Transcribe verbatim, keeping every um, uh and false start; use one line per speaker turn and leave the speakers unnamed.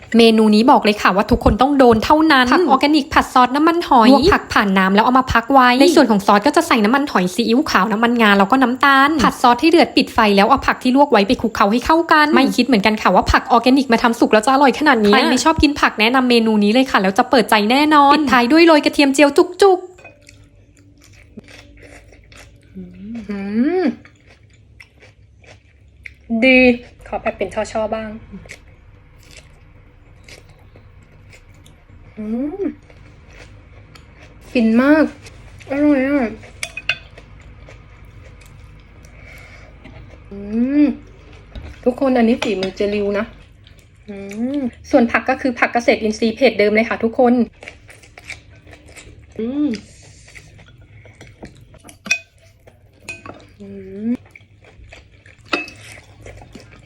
เมนูนี้บอกเลยค่ะว่าทุกคนต้องโดนเท่านั้นผักออร์แกนิกผัดซอสน้ำมันหอยลวกผักผ่านน้ำแล้วเอามาพักไว้ในส่วนของซอสก็จะใส่น้ำมันหอยซีอิ๊วขาวน้ำมันงาแล้วก็น้ำตาลผัดซอสให้เดือดปิดไฟแล้วเอาผักที่ลวกไว้ไปคลุกเคล้าให้เข้ากันไม่คิดเหมือนกันค่ะว่าผักออร์แกนิกมาทำสุกแล้วจะอร่อยขนาดนี้ใครไม่ชอบกินผักแนะนำเมนูนี้เลยค่ะแล้วจะเปิดใจแน่นอนปิดท้ายด้วยโรยกระเทียมเจียวจุกๆดีขอแบบเป็นช่อๆบ้างฟินมากอร่อยอ่ะทุกคนอันนี้ฝีมือเจริวนะส่วนผักก็คือผักเกษตรอินทรีย์เพจเดิมเลยค่ะทุกคน